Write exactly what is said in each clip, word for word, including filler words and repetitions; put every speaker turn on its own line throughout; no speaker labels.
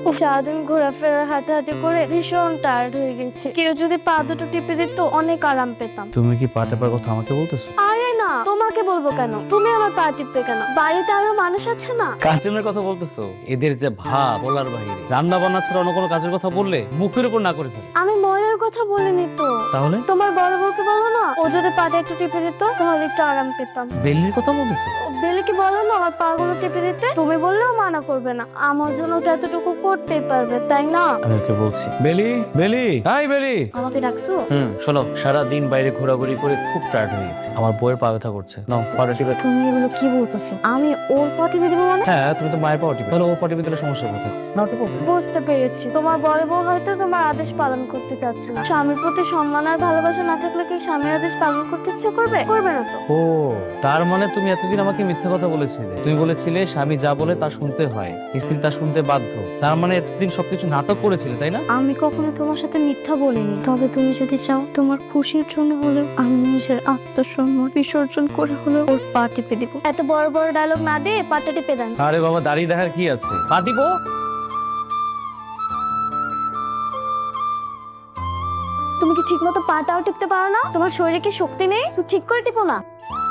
সারাদিন ঘোরাফেরা হাঁটাহাঁটি করে ভীষণ টায়ার্ড হয়ে গেছে। কেউ যদি পা দুটো টিপে দিত অনেক আরাম পেতাম।
তুমি কি পা টেপার কথা আমাকে বলতেছো?
আরে না, তোমাকে বলবো কেন? তুমি আমার পা টিপবে কেন? বাড়িতে আরো মানুষ আছে না?
কাজের কথা বলতেছো? এদের যে ভাব বলার বাইরে, রান্না বান্না ছাড়া অন্য কোনো কাজের কথা বললে মুখের উপর না করে ফেলে।
আমি ময়ূর কথা বলিনি তো।
তাহলে
তোমার বড় বউকে বলো না, ও যদি পাটা একটু টিপে দিত তাহলে একটু আরাম পেতাম।
বেল্লির কথা বলতেছো?
বেলিকে বলো না আমার পা গুলো টিপে দিতে। তুমি বললেও মানা করবে না, আমার জন্য তো এতটুকু করতেই পারবে, তাই না?
আমি ওকে বলছি, বেলি বেলি, হাই বেলি।
আমাকে ডাকছো?
হুম, শোনো, সারা দিন বাইরে ঘোরাঘুরি করে খুব টায়ার্ড হয়ে গেছে। আমার বউয়ের পা ব্যথা করছে। নাও পাটা টিপে।
তুমি এগুলো কি বলতেছো? আমি ওর পা টিপে দিব মানে?
হ্যাঁ, তুমি তো মায়ের পা টিপে। তাহলে ও পা টিপে দিলে সমস্যা কোথায়? নাও টিপো।
বুঝতে পেরেছি, তোমার বড় বউ হয়তো তোমার আদেশ পালন করতে চাচ্ছে না। স্বামীর প্রতি সম্মান আর ভালোবাসা না থাকলে কি স্বামীর আদেশ পালন করতে ইচ্ছে করবে? করবে না তো।
ও, তার মানে তুমি এতদিন আমাকে মিথ্যা কথা বলেছিলে। তুমি বলেছিলে স্বামী যা বলে তা শুনতে হয়, স্ত্রী তা শুনতে বাধ্য। তার মানে এতদিন সবকিছু নাটক করেছিলে, তাই না?
আমি কখনো তোমার সাথে মিথ্যা বলিনি। তবে তুমি যদি চাও, তোমার খুশির জন্য হলেও আমি নিজের আত্মসম্মান বিসর্জন করে হলেও ওর পা টিপে দিব। এত বড় বড় ডায়লগ না দিয়ে পাটা টিপে দেন।
আরে বাবা, দাঁড়িয়ে দেখার কি আছে? পা টিপো।
তুমি কি ঠিক মতো পাটাও টিপতে পারো না? তোমার শরীরে কি শক্তি নেই? তুমি ঠিক করে টিপো না।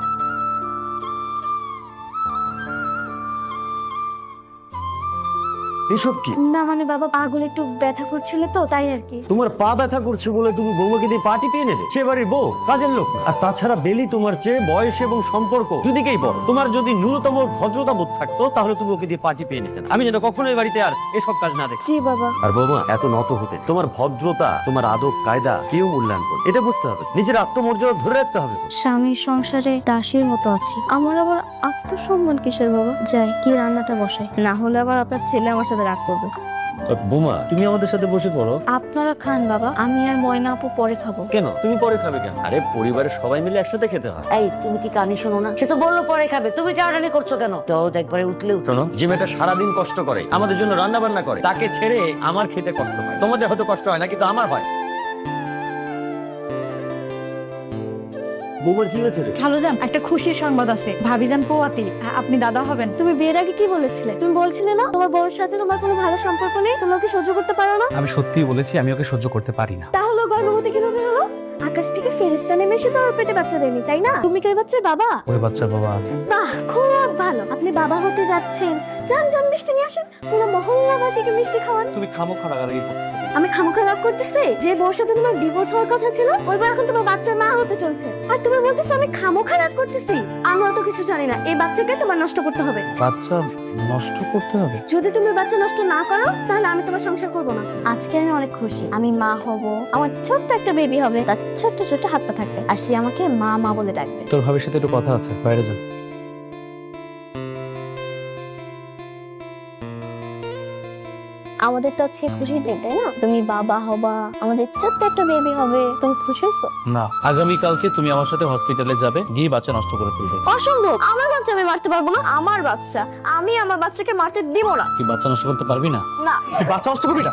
এসব কি?
না মানে বাবা, পাগুলো একটু ব্যথা করছিল তো, তাই আর কি।
তোমার পা ব্যথা করছে বলে তুমি বৌমাকে দিয়ে পা টিপিয়ে নেবে? সে বাড়ির বউ, কাজের লোক। আর তাছাড়া বেলি তোমার চেয়ে বয়স এবং সম্পর্ক দুদিকেই বড়। তোমার যদি ন্যূনতম ভদ্রতা বোধ থাকতো তাহলে তুমি ওকে দিয়ে পা টিপিয়ে নিতে না। আমি যেন কখনো এই বাড়িতে আর এসব কাজ না দেখি।
জি বাবা।
আর বৌমা, এত নত হতে তোমার ভদ্রতা, তোমার আদব কায়দা কেউ মূল্যায়ন করবে, এটা বুঝতে হবে। নিজের আত্মমর্যাদা ধরে রাখতে হবে।
স্বামীর সংসারে দাসীর মতো আছি, আমার আবার আত্মসম্মান কিসের বাবা? যাই কি রান্নাটা বসাই, না হলে আবার আপনার ছেলে আমার সাথে রাগ করবে।
বৌমা, তুমি আমাদের সাথে বসে পড়ো।
আপনারা খান বাবা, আমি আর ময়না আপু পরে খাবো।
কেন তুমি পরে খাবে কেন? আরে পরিবারের সবাই মিলে একসাথে খেতে হয়।
এই, তুমি কি কানে শোনো না? সে তো বললো পরে খাবে, তুমি চাওড়ানি করছো কেন? তো একবারে উঠলে উঠলো।
শোনো, যে মেয়েটা সারাদিন কষ্ট করে আমাদের জন্য রান্না বান্না করে, তাকে ছেড়ে আমার খেতে কষ্ট হয়। তোমাদের হয়তো কষ্ট হয় না, কিন্তু আমার হয়। বৌমার কি হয়েছে রে?
খালুজান, একটা খুশির সংবাদ আছে। ভাবিজান পোয়াতি, আপনি দাদা হবেন।
তুমি বিয়ের আগে কি বলেছিলে? তুমি বলছিলে না তোমার বউর সাথে তোমার কোনো ভালো সম্পর্ক নেই, তুমি ওকে সহ্য করতে পারো না?
আমি সত্যিই বলেছি, আমি ওকে সহ্য করতে পারি না।
তাহলে গর্ভবতী কিভাবে হলো? আকাশ থেকে ফেরেশতা নেমে এসে তো ওর পেটে বাচ্চা দেয়নি, তাই না? তুমি কি ওই বাচ্চার বাবা?
ওই বাচ্চার বাবা আমি।
বাহ, খুব ভালো। আপনি বাবা হতে যাচ্ছেন। যান যান, মিষ্টি নিয়ে আসেন, পুরো মহল্লাবাসীকে মিষ্টি খাওয়ান।
তুমি খামোখা রাগারাগি করতেছো।
আমি খামোখা রাগ করতেছি? যে বউর সাথে তোমার ডিভোর্স হওয়ার কথা ছিল, ওই বউ এখন তোমার বাচ্চার মা হতে চলছে, আর তুমি বলতেছো আমি খামোখা রাগ করতেছি? আমি অত কিছু জানি না, এই বাচ্চাকে তোমার নষ্ট করতে হবে।
বাচ্চা নষ্ট করতে হবে?
যদি তুমি বাচ্চা নষ্ট না করো তাহলে আমি তোমার সংসার করবো না। আজকে আমি অনেক খুশি, আমি মা হব, আমার ছোট্ট একটা বেবি হবে, তার ছোট্ট ছোট্ট হাত পা থাকবে, আর সে আমাকে মা মা বলে ডাকবে।
তোর ভাবির সাথে একটু কথা আছে, বাইরে যা।
আমাদের তো আজকে খুশির দিন, তাই না? তুমি বাবা হবা, আমাদের ছোট্ট একটা বেবি হবে, তুমি খুশি হয়েছো?
না, আগামীকালকে তুমি আমার সাথে হসপিটালে যাবে, গিয়ে বাচ্চা নষ্ট করে ফেলবে।
অসম্ভব, আমার বাচ্চা আমি মারতে পারবো না। আমার বাচ্চা, আমি আমার বাচ্চাকে মারতে দিব না।
কি বাচ্চা নষ্ট করতে পারবি না?
না।
তুই বাচ্চা নষ্ট করবি না?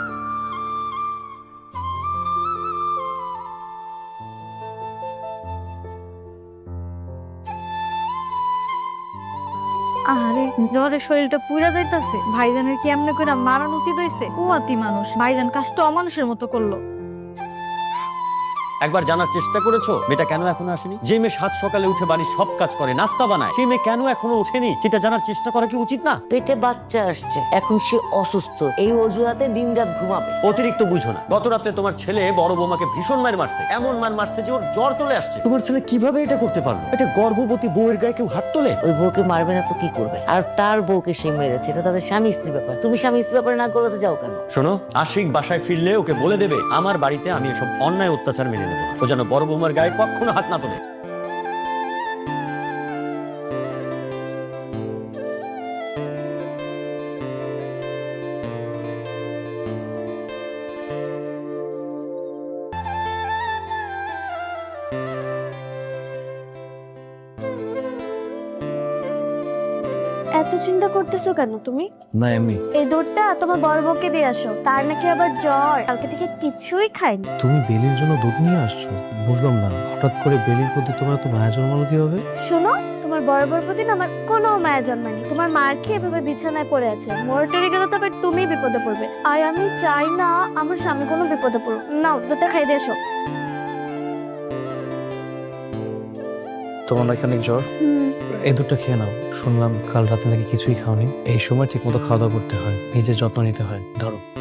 আরে জ্বরে শরীরটা পুরা যাইতাছে। ভাইজানের কি এমনি করে মারানো উচিত হইছে? পোয়াতি মানুষ, ভাইজান কাজটা অমানুষের মতো করলো।
একবার জানার চেষ্টা করেছো মেয়েটা কেন এখনো আসেনি? যে মেয়ে সাত সকালে উঠে বাড়ির সব কাজ করে, নাস্তা বানায়, সেই মেয়ে কেন এখনো ওঠেনি সেটা জানার চেষ্টা করা কি উচিত না?
পেটে বাচ্চা আসছে, এখন সে অসুস্থ, এই অজুহাতে দিন রাত ঘুমাবে।
অতিরিক্ত বুঝো না। গত রাতে তোমার ছেলে বড় বৌমাকে ভীষণ মার মারছে, এমন মার মারছে যে ওর জ্বর চলে আসছে। তোমার ছেলে কিভাবে এটা করতে পারলো? এটা গর্ভবতী বউয়ের গায়ে কেউ হাত তোলে?
ওই বউকে মারবে না তো কি করবে? আর তার বউকে সে মেরেছে, এটা তাদের স্বামী স্ত্রী ব্যাপার। তুমি স্বামী স্ত্রী ব্যাপারে না করতে যাও কেন?
শোনো, আশিক বাসায় ফিরলে ওকে বলে দেবে আমার বাড়িতে আমি এসব অন্যায় অত্যাচার মেনে নেবো না। ও যেন বড় বৌমার গায়ে কখনো হাত না তোলে।
এত চিন্তা করতেছো কেন তুমি?
না, এমনি।
এই দুধটা তোমার বড় বউকে দিয়ে আসো, তার নাকি আবার জ্বর, কালকে থেকে কিছুই খায়নি।
তুমি বেলির জন্য দুধ নিয়ে আসছো? বুঝলাম না, হঠাৎ করে বেলির প্রতি তোমার তো মায়া জন্মালো কিভাবে?
শোনো, তোমার তোমার বড় বড় প্রতি না আমার কোনো মায়া জন্মায়নি। তোমার মার খেয়ে এভাবে বিছানায় পড়ে আছে, মরে গেলে তবে তুমি বিপদে পড়বে। আর আমি চাই না আমার স্বামী কোনো বিপদে পড়ুক। নাও দুধটা খাই দিয়ে এসো।
তোমার নাকি অনেক জ্বর, এই দুধটা খেয়ে নাও। শুনলাম কাল রাতে নাকি কিছুই খাওনি। এই সময় ঠিক মতো খাওয়া দাওয়া করতে হয়, নিজের যত্ন নিতে হয়। ধরো।